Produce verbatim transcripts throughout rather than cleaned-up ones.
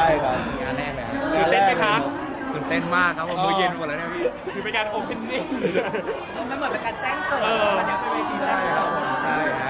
ช่ครับงานแรกเลยตื่นเต้นไหมครับตื่นเต้นมากครับผมมือเย็นหมดแล้วเนี่ยพี่คือเป็นการโอเพนนิ่งมันเหมือนเป็นการแจ้งเกิดเออวันนี้เป็นเวทีแรกครับผมใช่ฮะ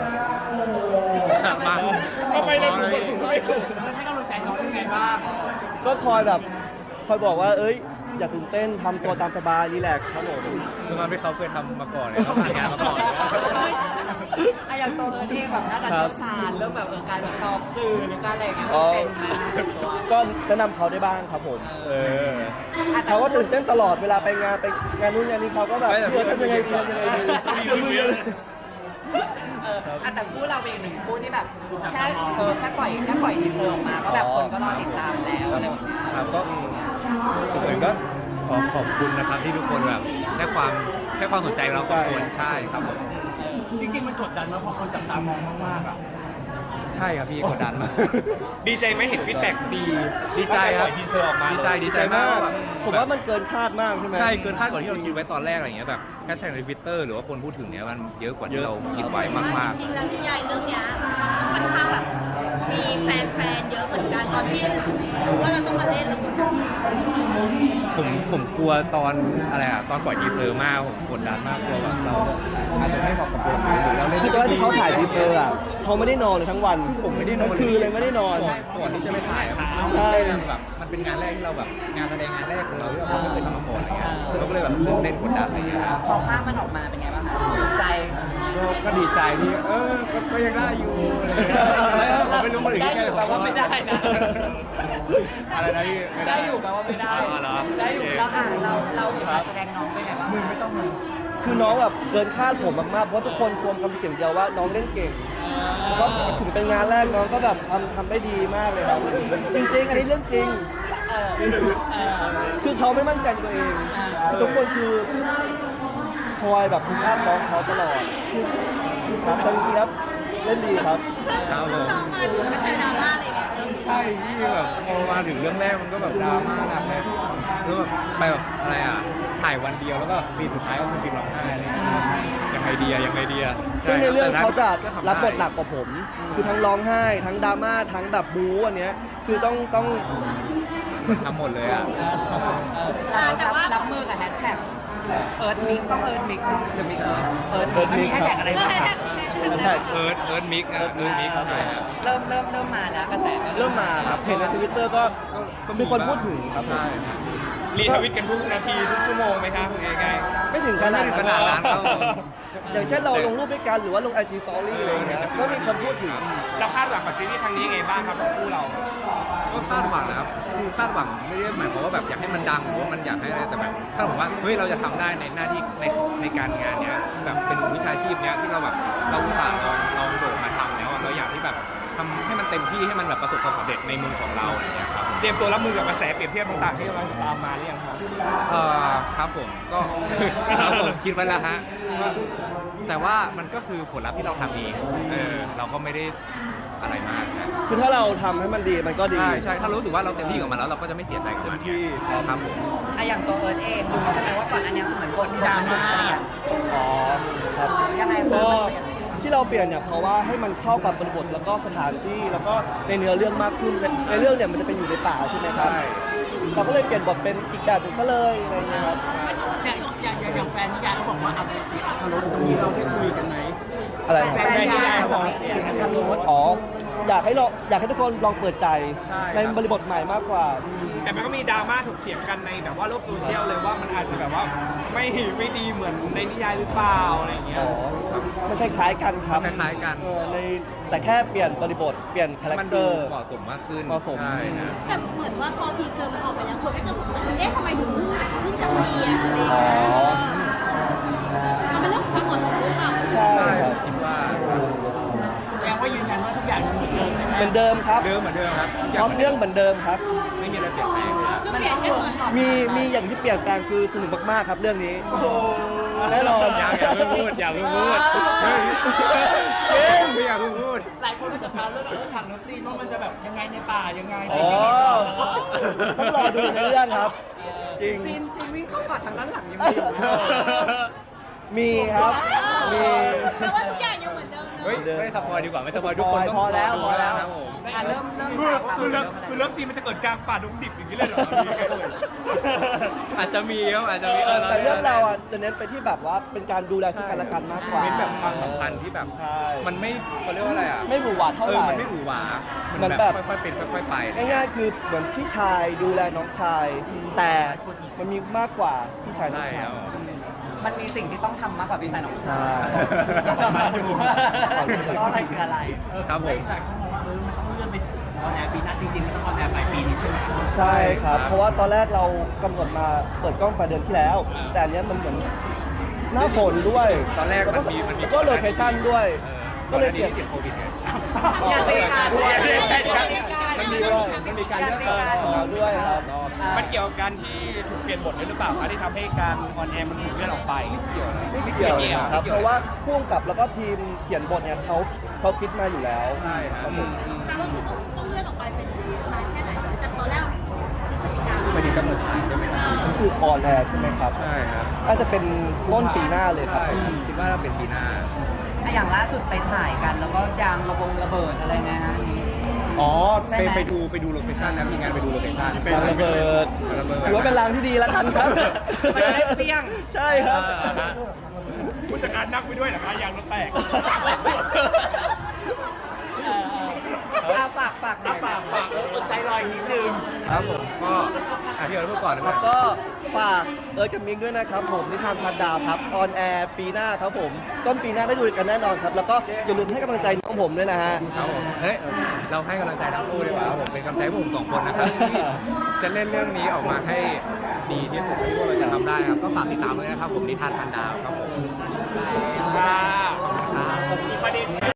มาทำไมเราถึงถึงไม่ถูกให้กำลังใจน้องยังไงบ้างก็คอยแบบคอยบอกว่าเอ้ยอย่าตื่นเต้นทำตัวตามสบายรีแลกซ์ครับผมคือมันที่เขาเคยทำมาก่อนเลยเขาผ่านงานมาก่อนเลยไอ้อย่างตัวเอิร์ธเองแบบน่าจะเชี่ยวชาญเรื่องแบบเออการแบบตอบสื่อหรือการอะไรอย่างเงี้ยอ๋อเป็นมาก็แนะนำเขาได้บ้างครับผมเออเขาก็ตื่นเต้นตลอดเวลาไปงานไปงานนู้นงานนี้เขาก็แบบเออทำยังไงดีทำยังไงดีเอออ่ะแต่คู่เราเป็นอีกหนึ่งคู่ที่แบบแค่เออแค่ปล่อยแค่ปล่อยทีเซอร์ออกมาก็แบบคนก็รอติดตามแล้วอะไรแบบเนี้ยครับก็ผมเองก็ขอขอบคุณนะครับที่ทุกคนแบบให้ความให้ความสนใจเราทุกคนใช่ครับผมจริงๆมันกดดันมากเพราะคนจับตามองมากๆอ่ะใช่ครับพี่กดดันมากดีใจไหมเห็นฟีดแบ็กดีดีใจครับทีเซอร์ออกมาดีใจดีใจใจมามากกแบบผมว่ามันเกินคาดมากใช่ไหมใช่เกินคาดกว่าที่เราคิดไว้ตอนแรกอะไรอย่างเงี้ยแบบแฮชแท็กในทวิตเตอร์หรือว่าคนพูดถึงเนี้ยมันเยอะกว่าที่เราคิดไว้มากจริงๆแล้วนิยายเรื่องเนี้ยค่อนข้างแบบมีแฟนๆเยอะเหมือนกันตอนที่รู้ว่าเราต้องมาเล่นแล้วก็ๆผมผมกลัวตอนอะไรอะตอนปล่อยทีเซอร์มากผมกดดันมากกลัวแบบเราอาจจะไม่เหมาะกับตัวเราหรือเราเล่นคือตอนแรกที่เขาถ่ายทีเซอร์อ่ะเขาไม่ได้นอนเลยทั้งวันผมไม่ได้นอนทั้งคืนเลยไม่ได้นอนก่อนที่จะไปถ่ายอะใช่แบบมันเป็นงานแรกที่เราแบบงานแสดงงานแรกของเราที่เราไม่เคยทำมาก่อนอะไรเงี้ยเราก็เลยแบบตื่นเต้นกดดันอะไรเงี้ยพอภาพมันออกมาเป็นไงบ้างคะใจก็ก็ดีใจที่เออก็ก็ยังได้อยู่อะไรเงี้ยผมไม่รู้คนอื่นได้แค่อยู่แปลว่าไม่ได้นะอะไรนะพี่ม่ได้อยู่แปลว่าไม่ได้อ๋อเหรอได้อยู่เราอ่านเราเราเห็นการแสดงน้องเป็นไงบ้างมึงไม่ต้องมึงคือน้องแบบเกินคาดผมมากๆเพราะทุกคนชมคำเสียงเดียวว่าน้องเล่นเก่งก็ถึงเป็นงานแรกน้องก็แบบทำทำได้ดีมากเลยครับจริงๆอันนี้เรื่องจริงเออเออคือเขาไม่มั่นใจในตัวเองคือทุกคนคือคอยแบบคุณภาพน้องเขาตลอดครับแต่จริงๆแล้วเล่นดีครับครับผมน้องมาถึงก็เจอดราม่าเลยเนี่ยใช่ที่แบบพอมาถึงเรื่องแรกมันก็แบบดราม่าหนักเลยแล้วแบบไปแบบอะไรอ่ะถ่ายวันเดียวแล้วก็ซีนสุดท้ายก็คือซีนร้องไห้อะไรอย่างเงี้ยยังไงดีอะยังไงดีอะซึ่งในเรื่องเขาจะก็ทำได้รับบทหนักกว่าผม คือทั้งร้องไห้ทั้งดราม่าทั้งแบบบู๊อันเนี้ยคือต้องต้องทำหมดเลยอ่ะเรารับรับมือกับแฮชแท็กเอิร์ธมิกต้องเอิร์ธมิกเนาะหรือมิกเอิร์ธเอิร์ธมิกมันมีแฮชแท็กอะไรเออบ้างให้คแท็รักบให้แท็กใช่เอิร์ธเอิร์ธมิกอะเอิร์ธมิกใช่ครับเริ่มเริ่มเริ่มมาแล้วกระแสเริ่มมาครับเห็นในทวิตเตอร์ก็ก็มีคนพูดถึงครับใช่ครับรีทวิตกันทุกนาทีทุกชั่วโมงไหมครับยังไงไม่ถึงขนาดไม่ถึงขนาดนั้นครับผมอย่างเช่นเราลงรูปด้วยกันหรือว่าลงไอจีสตอรี่อะไรอย่างเงี้ยก็มีคนพูดถึงเราคาดหวังกับซีรีส์ครั้งนี้ยังไงบ้างครับของคู่เราก็คาดหวังนะครับคือคาดหวังไม่ได้หมายความว่าแบบอยากให้มันดังหรือว่ามันอยากให้อะไรแต่แบบคาดหวังว่าเฮ้ยเราจะทำได้ในหน้าที่ในในการงานเนี้ยแบบเป็นวิชาชีพเนี้ยที่เราแบบเราอุตส่าห์ลองลองโดดมาทำแล้วอะเราอยากที่แบบทำให้มันเต็มที่ให้มันแบบประสบความสำเร็จในมุมของเราอะไรอย่างเงี้ยครับเตรียมตัวรับมือกับกระแสเปรียบเทียบต่างๆที่กำลังจะตามมาหรือยังครับเอ่อครับผมก็ ครับผมคิดไว้แล้วฮะว่าแต่ว่ามันก็คือผลลัพธ์ที่เราทำเองเออเราก็ไม่ได้อะไรมากนะคือถ้าเราทำให้มันดีมันก็ดีใช่ใช่ถ้ารู้สึกว่าเราเต็มที่กับมันแล้วเราก็จะไม่เสียใจกับมันที่ครับผมอะอย่างตัวเอิร์ธเองดูใช่ไหมว่าก่อนอันเนี้ยเหมือนบทดราม่าอ๋อครับยังไงก็ที่เราเปลี่ยนเนี่ยเพราะว่าให้มันเข้ากับบริบทแล้วก็สถานที่แล้วก็ในเนื้อเรื่องมากขึ้นในในเรื่องเนี่ยมันจะเป็นอยู่ในป่าใช่ไหมครับเราก็เลยเปลี่ยนบทเป็นอีกแบบหนึ่งก็เลยอะไรเงี้ยครับอย่างอย่างอย่างแฟนนิยายเขาบอกว่าเอาไปเสียอัตรสตรงนี้เราได้คุยกันไหมอะไรแฟนนิยายเขาบอกเสียอัตรสอ๋ออยากให้ลองอยากให้ทุกคนลองเปิดใจในบริบทใหม่มากกว่าแต่มันก็มีดราม่าถกเถียงกันในแบบว่าโลกโซเชียลเลยว่ามันอาจจะแบบว่าไม่ไม่ดีเหมือนในนิยายหรือเปล่าอะไรอย่างเงี้ยอ๋อมันคล้ายๆกันครับคล้ายๆกันเออในแต่แค่เปลี่ยนบริบทเปลี่ยนคาแรคมันเตดูอร์เหมาะสมมากขึ้นเหมาะสมใช่นะแต่เหมือนว่าพอทีเซอร์มันออกไปแล้วคนก็จะสงสัยว่าเอ๊ะทำไมถึงเพิ่งเพิ่งจะเปลี่ยนอะไรอย่างเงี้ยเออมันเป็นเรื่องของความเหมาะสมหรือเปล่าใช่ใช่ครับคิดว่าแสดงว่ายืนยันว่าทุกอย่างยังเหมือนเดิมเหมือนเดิมครับเดิมเหมือนเดิมครับพร้อมเรื่องเหมือนเดิมครับไม่มีอะไรเปลี่ยนแปลงเลยอะคือเปลี่ยนแค่ตัวช็อตมีมีอย่างที่เปลี่ยนแปลงคือสนุกมากๆครับเรื่องนี้แน่นอนอย่าอย่าเพิ่งพูดอย่าเพิ่งพูดเฮ้ยเฮ้ยไม่อยากเพิ่งพูดหลายคนก็จะพาเรื่องเรื่องฉากน้ำซีนว่ามันจะแบบยังไงในป่ายังไงอ๋อต้องรอดูในเรื่องครับ จริงซีนซีนวิ่งเข้ากอดทางด้านหลังยังมีอยู่มีครับ มีแปลว่าทุกอย่างยังเหมือนเดิมเนเฮ้ยไม่สปอยดีกว่าไม่สปอยทุกคนต้องพอแล้วพอแล้วครับผมอ่ะเริ่มเริ่มคือถามคือเลิฟคือเลิฟซีนมันจะเกิดกลางป่าดงดิบอย่างนี้เลยเหรอมีใครเลยอาจจะมีครับอาจจะมีแต่เรื่องเราอ่ะจะเน้นไปที่แบบว่าเป็นการดูแลซึ่งกันและกันมากกว่าเป็นแบบความสัมพันธ์ที่แบบใช่มันไม่เขาเรียกว่าอะไรอ่ะไม่หวือหวาเท่าเอไหอร่มันไม่หวือหวามัมันนแบแบบ บค่อยๆเป็นค่อยๆไปง่ายๆคือเหมือนพี่ชายดูแลน้องชาย แต่มันมีมากกว่าพี่ชายน้องใช่ชาคยรับมันมีสิ่งที่ต้องทำมากกว่าพี่ชายน้องชายใช่ก็จะมาดูว่าอะไรคืออะไรครับผมหลายคนมองว่าเออมันต้องเลื่อนไปออนแอร์ปีหน้าจริงๆมันต้องออนแอร์ปลายปีนี้ใช่ไหมใช่ครับครับเพราะว่าตอนแรกเรากำหนดมาเปิดกล้องปลายเดือนที่แล้ว แต่อันเนี้ยมันเหมือนหน้าฝนด้วยตอนแรกมันมีมันมีแล้วก็โลเคชั่นด้วยเออก็เลยเปลี่ยนติดโควิดไงงานบริการด้วยมันมีด้วยมันมีการเลือกเออของเราด้วยครับมันเกี่ยวกับการที่ถูกเปลี่ยนบทด้วยหรือเปล่าคะที่ทำให้การออนแอร์มันถูกเลื่อนออกไปเกี่ยวนะไม่เกี่ยวนะครับ เพราะว่าพ่วงกับแล้วก็ทีมเขียนบทเนี่ยเขาเขาคิดมาอยู่แล้วใช่ครับผมแปลว่าคือต้องต้องเลื่อนออกไปเป็นนานแค่ไหนจากตอนแรกพฤศจิกาไม่ดีกำหนดฉายใช่ไหมครับมันคือออนแอร์ใช่ไหมครับใช่ครับน่าจะเป็นต้นปีหน้าเลยครับใช่คิดว่าเราเป็นปีหน้าอ่ะอย่างล่าสุดไปถ่ายกัน แล้วก็ยางระบงระเบิดอะไรนะฮะอ๋อใช่ไปไหมไปดูไปดูโลเคชั่นนะมีงานไปดูโลเคชั่นยางระเบิดระเบิดถือว่าเป็นรางที่ดีแล้วกันครับมันจะได้เปรี้ยงใช่ครับผู้จัดการนั่งไปด้วยเหรอคะยางรถแตกเออเอออ่ะฝากฝากหน่อยฝากฝากอดใจรออีกนิดนึงครับผมก็อ่ะพี่เอิร์ธพูดก่อนนะคแล้รับวก็ฝากเอิร์ธกับมิกด้วยนะครับผมนิทานพันดาวครับออนแอร์ปีหน้าครับผม ต้นปีหน้าได้ดูกันแน่นอนครับ แล้วก็อย่าลืมให้กำลังใจน้องผมด้วยนะฮะครับผมเฮ้ยเราให้กำลังใจทั้งคู่ดีกว่าครับผมเป็นกำลังใจให้พวกผมสองคนนะครับที่จะเล่นเรื่องนี้ออกมาให้ดีที่สุดที่พวกเราจะทำได้ครับก็ฝากติดตามด้วยนะครับผมนิทานพันดาวครับผมค่ะขอบคุณครับมีประเด็น